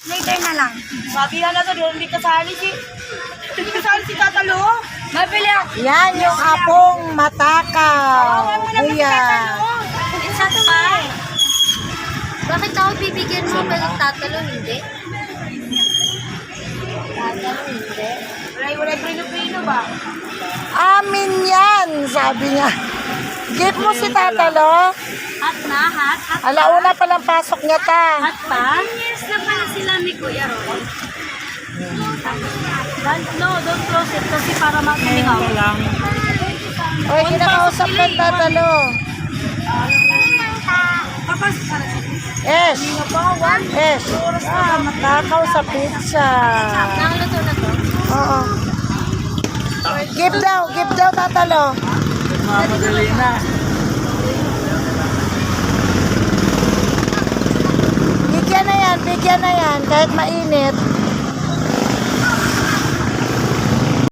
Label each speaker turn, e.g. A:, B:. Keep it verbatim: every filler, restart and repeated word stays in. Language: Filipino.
A: Later na lang.
B: Sabi nga na to, hindi kasali si... Hindi kasali si Tatalo.
A: Mabili ako.
C: Yan yung apong matakaw. Kuya.
A: Isa pa. Bakit ako bibigyan mo pa tatalo, hindi? Tatalo, hindi.
B: Wala, wala prino-prino ba?
C: Amin yan, sabi niya. Gift mo si Tatalo.
A: Hot na, hot, hot.
C: Alauna pa lang pasok niya ta.
A: Hot pa? Years na pala sila ni Kuya Roy. Don't, no, don't close it kasi para matulingaw.
C: Oy, kinakausap ng Tatalo.
A: Kapag para sa
C: Yes. Yes. Ah, matakaw sa pizza.
A: Nakaluto na to?
C: Oo. Gift daw, gift daw Tatalo.
D: Mamadali na.
C: Bigyan na yan, bigyan na yan. Kahit mainit.